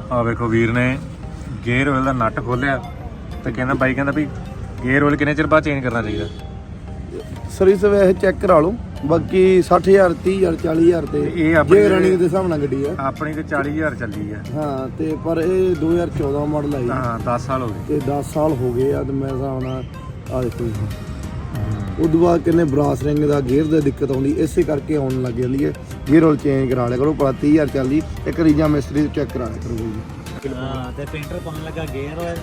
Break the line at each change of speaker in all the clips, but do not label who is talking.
ਆ ਵੇਖੋ ਵੀਰ ਨੇ ਗੇਅਰ ਆਇਲ ਦਾ ਨਟ ਖੋਲਿਆ ਤੇ ਕਹਿੰਦਾ ਬਾਈ ਕਹਿੰਦਾ ਵੀ ਗੇਅਰ ਆਇਲ ਕਿੰਨੇ ਚਿਰ ਬਾਅਦ ਚੇਂਜ ਕਰਨਾ ਚਾਹੀਦਾ?
ਸਰਵਿਸ ਵੈਸੇ ਚੈੱਕ ਕਰਾ ਲਓ, ਬਾਕੀ 60,000 30,000 40,000 ਤੇ
ਇਹ ਆਪਣੀ
ਜੇ ਰਨਿੰਗ ਦੇ ਹਿਸਾਬ ਨਾਲ ਗੱਡੀ ਆ।
ਆਪਣੀ ਤੇ 40,000 ਚੱਲੀ ਆ।
ਹਾਂ ਤੇ ਪਰ ਇਹ 2014 ਮਾਡਲ ਆਈ।
ਹਾਂ 10 ਸਾਲ ਹੋ ਗਏ
ਤੇ 10 ਸਾਲ ਹੋ ਗਏ ਆ ਤੇ ਮੈਂ ਹਿਸਾਬ ਨਾਲ ਆ ਦੇਖੋ ਜੀ। ਉਦੋਂ ਬਾਅਦ ਕਿੰਨੇ ਬਰਾਸ ਰਿੰਗ ਦਾ ਗੇਅਰ ਦੀ ਦਿੱਕਤ ਆਉਂਦੀ, ਇਸੇ ਕਰਕੇ ਆਉਣ ਲੱਗ ਜਾਂਦੀ ਹੈ। ਗੇਅਰ ਆਇਲ ਚੇਂਜ ਕਰਾ ਲਿਆ ਕਰੋ, ਭਲਾ 30,000 ਚੱਲਦੀ ਇੱਕ ਰੀਜਾ ਮਿਸਤਰੀ ਚੈੱਕ ਕਰਾ ਲਿਆ ਕਰੋ ਜੀ।
ਹਾਂ ਤੇ ਪੇਂਟਰ ਪਾਉਣ ਲੱਗਾ ਗੇਅਰ ਆਇਲ।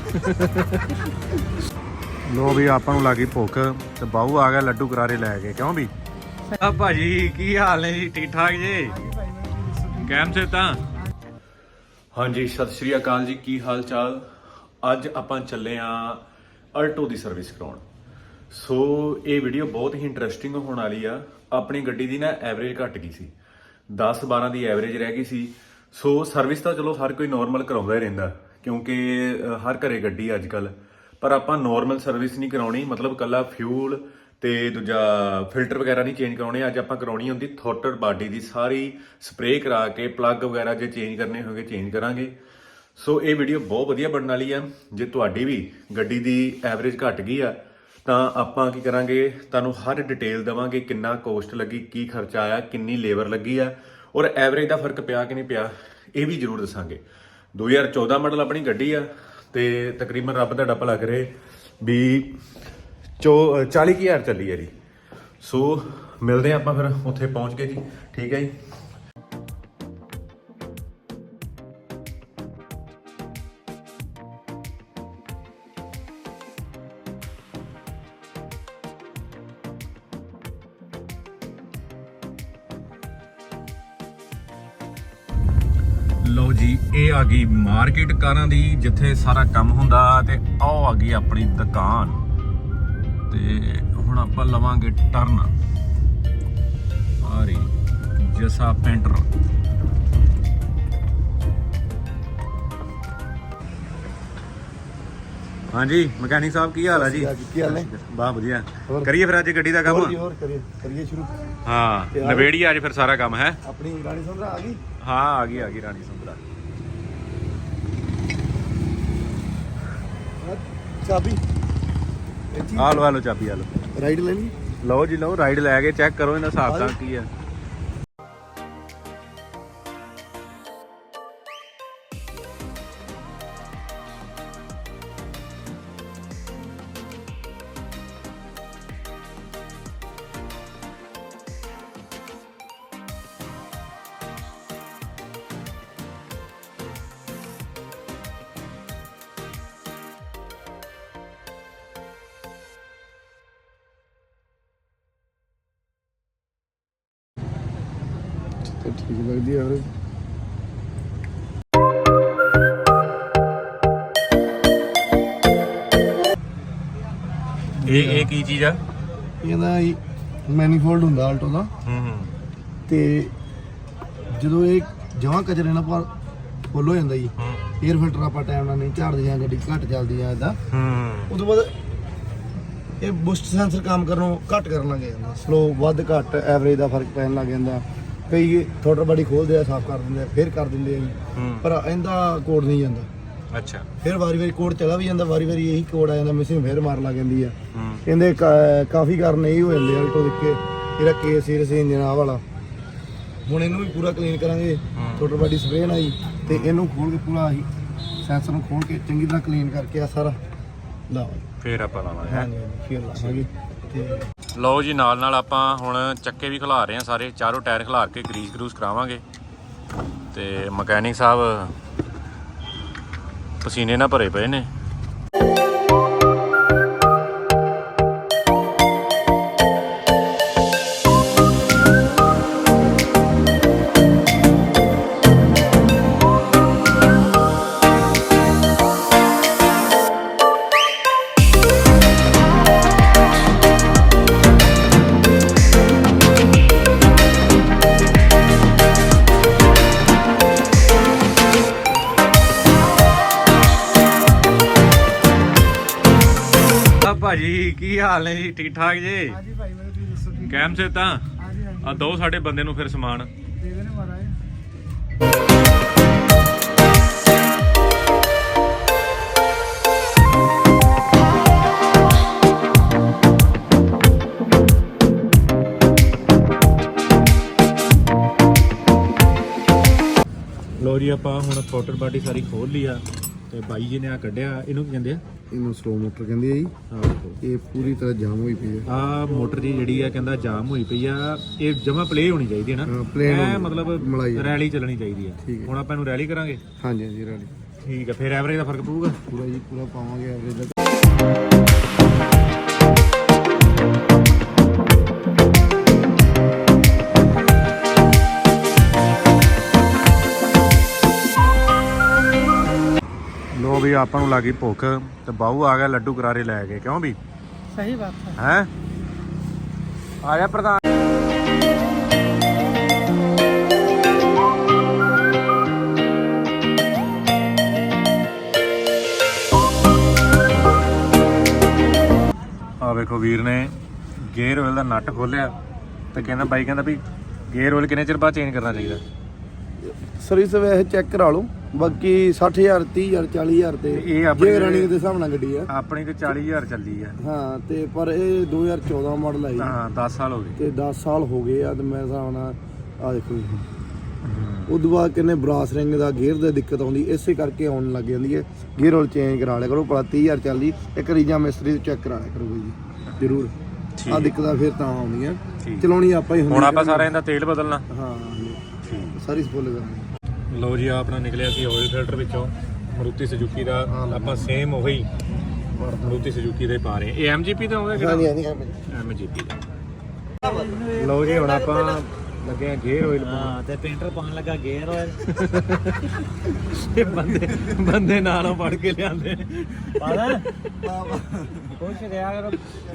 ਲੋ ਵੀ ਆਪਾਂ ਨੂੰ ਲੱਗੀ ਭੁੱਖ ਤੇ ਬਾਹੂ ਆ ਗਿਆ ਲੱਡੂ ਕਰਾਰੇ ਲੈ ਕੇ। ਕਿਉਂ ਵੀ ਆ ਭਾਜੀ ਕੀ ਹਾਲ ਨੇ ਜੀ? ਠੀਕ ਠਾਕ ਜੀ? ਕੈਮ ਸੇ ਤਾਂ ਹਾਂਜੀ, ਸਤਿ ਸ਼੍ਰੀ ਅਕਾਲ ਜੀ, ਕੀ ਹਾਲ ਚਾਲ? ਅੱਜ ਆਪਾਂ ਚੱਲੇ ਆ ਅਲਟੋ ਦੀ ਸਰਵਿਸ ਕਰਾਉਣ। ਸੋ ਇਹ ਵੀਡੀਓ ਬਹੁਤ ਹੀ ਇੰਟਰਸਟਿੰਗ ਹੋਣ ਵਾਲੀ ਆ। ਆਪਣੀ ਗੱਡੀ ਦੀ ਨਾ ਐਵਰੇਜ ਘਟ ਗਈ ਸੀ, 10-12 ਦੀ ਐਵਰੇਜ ਰਹਿ ਗਈ ਸੀ। ਸੋ ਸਰਵਿਸ ਤਾਂ ਚਲੋ ਹਰ ਕੋਈ ਨੋਰਮਲ ਕਰਾਉਂਦਾ ਹੀ ਰਹਿੰਦਾ, ਕਿਉਂਕਿ ਹਰ ਘਰੇ ਗੱਡੀ ਅੱਜ ਕੱਲ। ਪਰ ਆਪਾਂ ਨੋਰਮਲ ਸਰਵਿਸ ਨਹੀਂ ਕਰਾਉਣੀ, ਮਤਲਬ ਕੱਲਾ ਫਿਊਲ ਤੇ ਦੂਜਾ ਫਿਲਟਰ ਵਗੈਰਾ ਨਹੀਂ ਚੇਂਜ ਕਰਾਉਣੇ। ਅੱਜ ਆਪਾਂ ਕਰਾਉਣੀ ਹੁੰਦੀ ਥ੍ਰੋਟਲ ਬਾਡੀ ਦੀ ਸਾਰੀ ਸਪਰੇਅ ਕਰਾ ਕੇ, ਪਲੱਗ ਵਗੈਰਾ ਜੇ ਚੇਂਜ ਕਰਨੇ ਹੋਗੇ ਚੇਂਜ ਕਰਾਂਗੇ। ਸੋ ਇਹ ਵੀਡੀਓ ਬਹੁਤ ਵਧੀਆ ਬਣਨ ਵਾਲੀ ਆ। ਜੇ ਤੁਹਾਡੀ ਵੀ ਗੱਡੀ ਦੀ ਐਵਰੇਜ ਘਟ ਗਈ ਆ ਤਾਂ ਆਪਾਂ ਕੀ ਕਰਾਂਗੇ, ਤੁਹਾਨੂੰ ਹਰ ਡਿਟੇਲ ਦੇਵਾਂਗੇ, ਕਿੰਨਾ ਕੋਸਟ ਲੱਗੀ, ਕੀ ਖਰਚਾ ਆਇਆ, ਕਿੰਨੀ ਲੇਬਰ ਲੱਗੀ ਆ, ਔਰ ਐਵਰੇਜ ਦਾ ਫਰਕ ਪਿਆ ਕਿ ਨਹੀਂ ਪਿਆ ਇਹ ਵੀ ਜ਼ਰੂਰ ਦੱਸਾਂਗੇ। 2014 ਮਾਡਲ ਆਪਣੀ ਗੱਡੀ ਆ ਤੇ ਤਕਰੀਬਨ ਰੱਬ ਦਾ ਡੱਪ ਲੱਗ ਰਿਹਾ ਵੀ 40,000 ਚੱਲੀ ਹੈ ਜੀ। ਸੋ ਮਿਲਦੇ ਆਪਾਂ ਫਿਰ ਉੱਥੇ ਪਹੁੰਚ ਗਏ ਜੀ। ਠੀਕ ਹੈ ਜੀ। ਲਓ ਜੀ, ਇਹ ਆ ਗਈ ਮਾਰਕੀਟ ਕਾਰਾਂ ਦੀ, ਜਿੱਥੇ ਸਾਰਾ ਕੰਮ ਹੁੰਦਾ, ਤੇ ਆਹ ਆ ਗਈ ਆਪਣੀ ਦੁਕਾਨ। ਤੇ ਹੁਣ ਆਪਾਂ ਲਵਾਂਗੇ ਟਰਨ। ਆ ਰਹੀ ਜਸਾ ਪੇਂਟਰ। ਹਾਂਜੀ ਮਕੈਨਿਕ ਸਾਹਿਬ, ਕੀ ਹਾਲ ਆ ਜੀ?
ਕੀ ਹਾਲ ਹੈ?
ਬਹੁਤ ਵਧੀਆ। ਕਰੀਏ ਫਿਰ ਅੱਜ ਗੱਡੀ ਦਾ ਕੰਮ?
ਹੋਰ ਕਰੀਏ ਸ਼ੁਰੂ।
ਹਾਂ ਨਵੇੜੀ ਅੱਜ ਫਿਰ ਸਾਰਾ ਕੰਮ ਹੈ।
ਆਪਣੀ ਰਾਣੀ ਸੰਧਰਾ ਆ ਗਈ।
ਹਾਂ ਆ ਗਈ ਰਾਣੀ ਸੰਧਰਾ।
ਚਾਬੀ
ਆ ਲਓ ਚਾਬੀ, ਆ ਲਓ।
ਰਾਈਡ ਲੈ ਲਈ।
ਲਓ ਜੀ ਲਓ, ਰਾਈਡ ਲੈ ਕੇ ਚੈੱਕ ਕਰੋ ਇਹਨਾਂ ਹਿਸਾਬ ਤਾਂ ਕੀ ਆ।
ਠੀਕ ਲੱਗਦੀ ਆ ਵੀਰੇ।
ਇਹ ਕੀ ਚੀਜ਼ ਆ?
ਇਹਦਾ ਮੈਨੀਫੋਲਡ ਹੁੰਦਾ ਆਲਟੋ ਦਾ। ਤੇ ਜਦੋਂ ਇਹ ਜਮਾਂ ਕਚਰੇ ਨਾਲ ਪਰ ਫੁੱਲ ਹੋ ਜਾਂਦਾ ਜੀ, 에ਅਰ ਫਿਲਟਰ ਆਪਾਂ ਟਾਈਮ ਨਾਲ ਨਹੀਂ ਝਾੜਦੇ ਜਾਂ ਗੱਡੀ ਘੱਟ ਚੱਲਦੀ ਆ ਇਦਾਂ, ਉਦੋਂ ਬਾਅਦ ਇਹ ਬੂਸਟ ਸੈਂਸਰ ਕੰਮ ਕਰਨੋਂ ਘੱਟ ਕਰਨ ਲੱਗ ਜਾਂਦਾ, ਸਲੋ ਵੱਧ ਘੱਟ ਐਵਰੇਜ ਦਾ ਫਰਕ ਪੈਣ ਲੱਗ ਜਾਂਦਾ। ਕਈ ਥੋੜਾ ਬੜੀ ਖੋਲਦੇ ਆ, ਸਾਫ਼ ਕਰ ਦਿੰਦੇ ਆ, ਫਿਰ ਕਰ ਦਿੰਦੇ ਆ ਜੀ, ਪਰ ਇਹਦਾ ਕੋਡ ਨਹੀਂ ਜਾਂਦਾ।
ਅੱਛਾ।
ਫਿਰ ਵਾਰੀ ਕੋਡ ਚਲਾ ਵੀ ਜਾਂਦਾ, ਵਾਰੀ ਇਹੀ ਕੋਡ ਆ ਜਾਂਦਾ, ਮਿਸਿੰਗ ਫਿਰ ਮਾਰ ਲੱਗ ਜਾਂਦੀ ਆ। ਕਹਿੰਦੇ ਕਾਫੀ ਕਾਰਨ ਇਹ ਹੋ ਜਾਂਦੇ ਆਲਟੋ ਦੇ ਕੇ। ਇਹਦਾ ਕੇਸ ਸੀਰੀਅਸ ਇੰਜਨ ਆ ਵਾਲਾ। ਹੁਣ ਇਹਨੂੰ ਵੀ ਪੂਰਾ ਕਲੀਨ ਕਰਾਂਗੇ, ਥੋੜਾ ਬਾਡੀ ਸਪਰੇਅ ਨਾਲ ਜੀ, ਤੇ ਇਹਨੂੰ ਖੋਲ ਕੇ ਪੂਰਾ ਹੀ ਸੈਂਸਰ ਨੂੰ ਖੋਲ ਕੇ ਚੰਗੀ ਤਰ੍ਹਾਂ ਕਲੀਨ ਕਰਕੇ ਆ ਸਾਰਾ ਲਾਵਾਂਗੇ,
ਫਿਰ ਆਪਾਂ ਲਾਵਾਂਗੇ।
ਹਾਂਜੀ ਫਿਰ ਲਾਵਾਂਗੇ। ਤੇ
ਲਓ ਜੀ, ਨਾਲ ਆਪਾਂ ਹੁਣ ਚੱਕੇ ਵੀ ਖਿਲਾ ਰਹੇ ਹਾਂ, ਸਾਰੇ ਚਾਰੋਂ ਟਾਇਰ ਖਿਲਾਰ ਕੇ ਗਰੀਸ ਕਰਾਵਾਂਗੇ। ਤੇ ਮਕੈਨਿਕ ਸਾਹਿਬ ਪਸੀਨੇ ਨਾਲ ਭਰੇ ਪਏ ਨੇ। ਭਾਜੀ ਕੀ ਹਾਲ ਨੇ ਜੀ? ਠੀਕ ਠਾਕ ਜੀ?
ਹਾਂਜੀ ਭਾਈ ਮੈਨੂੰ ਤੁਸੀਂ ਦੱਸੋ ਠੀਕ?
ਕੈਮ ਸੇ ਤਾਂ
ਹਾਂਜੀ
ਆ ਦੋ ਸਾਡੇ ਬੰਦੇ ਨੂੰ ਫਿਰ ਸਮਾਨ
ਦੇ ਦੇਣੇ ਮਾਰਾ
ਆਪਾਂ ਹੁਣ ਪੋਟਰ ਬਾਡੀ ਸਾਰੀ ਖੋਲ ਲਈ ਆ ਤੇ ਬਾਈ ਜੀ ਨੇ ਆ ਕੱਢਿਆ, ਇਹਨੂੰ ਕੀ ਕਹਿੰਦੇ ਆ?
ਇਹਨੂੰ ਸਲੋ ਮੋਟਰ ਕਹਿੰਦੇ ਆ ਜੀ।
ਆਹ ਦੇਖੋ,
ਇਹ ਪੂਰੀ ਤਰ੍ਹਾਂ ਜਾਮ ਹੋਈ ਪਈ ਆ।
ਆ ਮੋਟਰ ਦੀ ਜਿਹੜੀ ਆ ਕਹਿੰਦਾ ਜਾਮ ਹੋਈ ਪਈ ਆ, ਇਹ ਜਮਾ ਪਲੇ ਹੋਣੀ ਚਾਹੀਦੀ ਹੈ ਨਾ,
ਹਾਂ, plain ਹੋਣੀ,
ਮਤਲਬ
ਮਲਾਈ।
ਰੈਲੀ ਚੱਲਣੀ ਚਾਹੀਦੀ ਆ।
ਠੀਕ ਹੈ।
ਹੁਣ ਆਪਾਂ ਇਹਨੂੰ ਰੈਲੀ ਕਰਾਂਗੇ।
ਹਾਂਜੀ ਹਾਂਜੀ ਰੈਡੀ
ਠੀਕ ਆ, ਫਿਰ ਐਵਰੇਜ ਦਾ ਫਰਕ ਪਊਗਾ
ਪੂਰਾ ਜੀ, ਪੂਰਾ ਪਾਵਾਂਗੇ ਐਵਰੇਜ ਦਾ।
ਲੋ ਵੀ ਆਪਾਂ ਨੂੰ ਲੱਗੀ ਭੁੱਖ ਤੇ ਬਾਹੂ ਆ ਗਿਆ ਲੱਡੂ ਕਰਾਰੇ ਲੈ ਕੇ, ਕਿਉਂ ਵੀ?
ਸਹੀ ਬਾਤ
ਹੈ ਆਇਆ ਪ੍ਰਧਾਨ। ਆ ਵੇਖੋ ਵੀਰ ਨੇ ਗੇਅਰ ਆਇਲ ਦਾ ਨਟ ਖੋਲਿਆ ਤੇ ਕਹਿੰਦਾ ਬਾਈ ਕਹਿੰਦਾ ਵੀ ਗੇਅਰ ਆਇਲ ਕਿੰਨੇ ਚਿਰ ਬਾਅਦ ਚੇਂਜ ਕਰਨਾ ਚਾਹੀਦਾ?
ਸਰਵਿਸ ਵੈਸੇ ਚੈੱਕ ਕਰਾ ਲਓ, ਬਾਕੀ 60000 30000 40000 ਤੇ
ਇਹ ਆਪਣੀ
ਜੇ ਰਨਿੰਗ ਦੇ ਹਿਸਾਬ ਨਾਲ ਗੱਡੀ ਆ।
ਆਪਣੀ ਤੇ 40000 ਚੱਲੀ ਆ।
ਹਾਂ ਤੇ ਪਰ ਇਹ 2014 ਮਾਡਲ ਆਈ
ਹਾਂ 10 ਸਾਲ ਹੋ ਗਏ
ਤੇ 10 ਸਾਲ ਹੋ ਗਏ ਆ ਤੇ ਮੈਂ ਹਿਸਾਬ ਨਾਲ ਆ ਦੇਖੋ ਜੀ। ਉਦੋਂ ਬਾਅਦ ਕਿੰਨੇ ਬਰਾਸ ਰਿੰਗ ਦਾ ਗੇਅਰ ਦੀ ਦਿੱਕਤ ਆਉਂਦੀ, ਇਸੇ ਕਰਕੇ ਆਉਣ ਲੱਗ ਜਾਂਦੀ ਹੈ। ਗੇਅਰ ਆਇਲ ਚੇਂਜ ਕਰਾ ਲਿਆ ਕਰੋ, ਭਲਾ 30000 ਚੱਲਦੀ ਇੱਕ ਰੀਜਾ ਮਿਸਤਰੀ ਤੋਂ ਚੈੱਕ ਕਰਾ ਲਿਆ ਕਰੋ ਜੀ ਜ਼ਰੂਰ। ਆ ਦਿੱਕਤਾਂ ਫਿਰ ਤਾਂ ਆਉਂਦੀਆਂ, ਚਲਾਉਣੀ ਆਪਾਂ ਹੀ ਹੁੰਦੀ।
ਹੁਣ ਆਪਾਂ ਸਾਰਾ ਇਹਦਾ ਤੇਲ ਬਦਲਣਾ।
ਹਾਂ ਸਾਰੀ ਸਪੋਲ ਕਰਨੀ।
ਲੋ ਜੀ, ਆਪਣਾ ਨਿਕਲਿਆ ਸੀ ਆਇਲ ਫਿਲਟਰ ਵਿੱਚੋਂ ਮਾਰੂਤੀ ਸੁਜ਼ੂਕੀ ਦਾ। ਆਪਾਂ ਸੇਮ ਉਹੀ ਮਾਰੂਤੀ ਸੁਜ਼ੂਕੀ ਦੇ ਪਾ ਰਹੇ। ਇਹ ਐਮਜੀਪੀ ਦਾ ਆਉਂਦਾ
ਹਾਂਜੀ
ਕਿਹੜਾ?
ਹਾਂਜੀ
ਐਮਜੀਪੀ ਦਾ। ਲੋ ਜੀ, ਹੁਣ ਆਪਾਂ ਲੱਗੇ ਆ ਗੇਅਰ ਆਇਲ
ਹਾਂ ਤੇ ਪੇਂਟਰ ਪਾਉਣ ਲੱਗਾ ਗੇਅਰ ਆਇਲ।
ਇਹ ਬੰਦੇ ਨਾਲੋਂ ਫੜ ਕੇ ਲਿਆਂਦੇ ਨੇ।
ਪਾਦਾ ਖੁਸ਼ ਰਿਹਾ ਕਰੋ।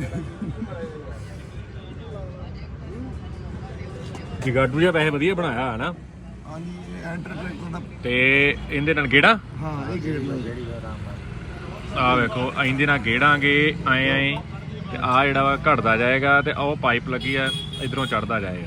ਜਿਗਾਡੂ ਜਿਹਾ ਪੈਸੇ ਵਧੀਆ ਬਣਾਇਆ ਹੈ ਨਾ।
ਹਾਂਜੀ ਐਂਟਰ ਟਰੈਕਟਰ ਦਾ।
ਤੇ ਇਹਦੇ ਨਾਲ ਗੇੜਾ,
ਹਾਂ ਇਹ ਗੇੜ ਲੱਗ
ਆ ਵੇਖੋ ਇਹਦੇ ਨਾਲ ਗੇੜਾਂਗੇ ਆਏ ਤੇ ਆ ਜਿਹੜਾ ਵਾ ਘਟਦਾ ਜਾਏਗਾ ਤੇ ਉਹ ਪਾਈਪ ਲੱਗੀ ਆ ਇਧਰੋਂ ਚੜਦਾ ਜਾਏਗਾ।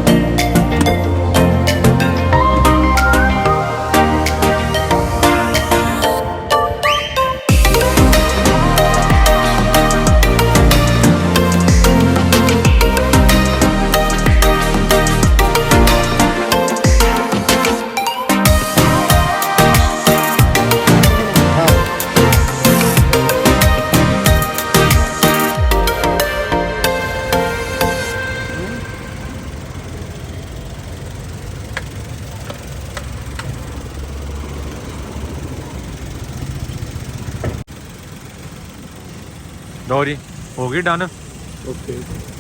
ਲਓ ਜੀ, ਹੋ ਗਈ ਡਨ।
ਓਕੇ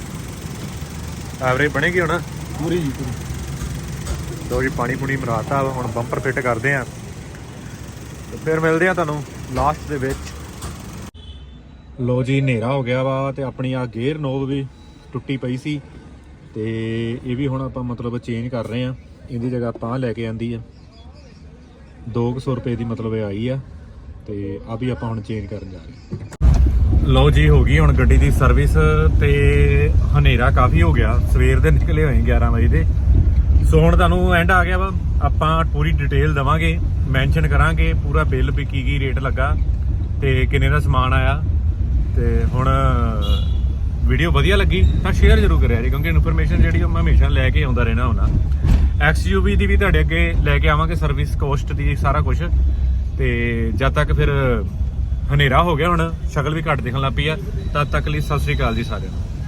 ਐਵਰੇਜ ਬਣੇਗੀ ਹੁਣ
ਪੂਰੀ ਜੀ ਪੂਰੀ।
ਲਓ ਜੀ, ਪਾਣੀ ਪੂਣੀ ਮਰਾਤਾ, ਹੁਣ ਬੰਪਰ ਫਿੱਟ ਕਰਦੇ ਆ ਤੇ ਫਿਰ ਮਿਲਦੇ ਆ ਤੁਹਾਨੂੰ ਲਾਸਟ ਦੇ ਵਿੱਚ। ਲਓ ਜੀ, ਹਨੇਰਾ ਹੋ ਗਿਆ ਵਾ ਤੇ ਆਪਣੀ ਆ ਗੇਅਰ ਨੋਬ ਵੀ ਟੁੱਟੀ ਪਈ ਸੀ ਤੇ ਇਹ ਵੀ ਹੁਣ ਆਪਾਂ ਮਤਲਬ ਚੇਂਜ ਕਰ ਰਹੇ ਆ। ਇਹਦੀ ਜਗ੍ਹਾ ਆਪਾਂ ਲੈ ਕੇ ਆਂਦੀ ਆ 200 ਰੁਪਏ ਦੀ, ਮਤਲਬ ਇਹ ਆਈ ਆ ਤੇ ਆ ਵੀ ਆਪਾਂ ਹੁਣ ਚੇਂਜ ਕਰਨ ਜਾ ਰਹੇ ਹਾਂ। ਲਓ ਜੀ, ਹੋ ਗਈ ਹੁਣ ਗੱਡੀ ਦੀ ਸਰਵਿਸ ਤੇ ਹਨੇਰਾ ਕਾਫੀ ਹੋ ਗਿਆ, ਸਵੇਰ ਦੇ ਨਿਕਲੇ ਹੋਏ 11 ਵਜੇ ਦੇ। ਸੋ ਹੁਣ ਤੁਹਾਨੂੰ ਐਂਡ ਆ ਗਿਆ ਵਾ, ਆਪਾਂ ਪੂਰੀ ਡਿਟੇਲ ਦਵਾਂਗੇ, ਮੈਂਸ਼ਨ ਕਰਾਂਗੇ ਪੂਰਾ ਬਿੱਲ ਵੀ ਕੀ ਰੇਟ ਲੱਗਾ ਤੇ ਕਿੰਨੇ ਦਾ ਸਮਾਨ ਆਇਆ। ਤੇ ਹੁਣ ਵੀਡੀਓ ਵਧੀਆ ਲੱਗੀ ਤਾਂ ਸ਼ੇਅਰ ਜ਼ਰੂਰ ਕਰਿਆ ਜੀ, ਕਿਉਂਕਿ ਇਨਫੋਰਮੇਸ਼ਨ ਜਿਹੜੀ ਮੈਂ ਹਮੇਸ਼ਾ ਲੈ ਕੇ ਆਉਂਦਾ ਰਹਿਣਾ ਹੁੰਦਾ। XUV ਦੀ ਵੀ ਤੁਹਾਡੇ ਅੱਗੇ ਲੈ ਕੇ ਆਵਾਂਗੇ, ਸਰਵਿਸ ਕੋਸਟ ਦੀ ਸਾਰਾ ਕੁਝ। ਤੇ ਜਦ ਤੱਕ ਫਿਰ ਹਨੇਰਾ ਹੋ ਗਿਆ, ਹੁਣ ਸ਼ਕਲ ਵੀ ਘੱਟ ਦਿਖਣ ਲੱਗ ਪਈ ਆ, ਤਦ ਤੱਕ ਲਈ ਸਤਿ ਸ੍ਰੀ ਅਕਾਲ ਜੀ ਸਾਰਿਆਂ ਨੂੰ।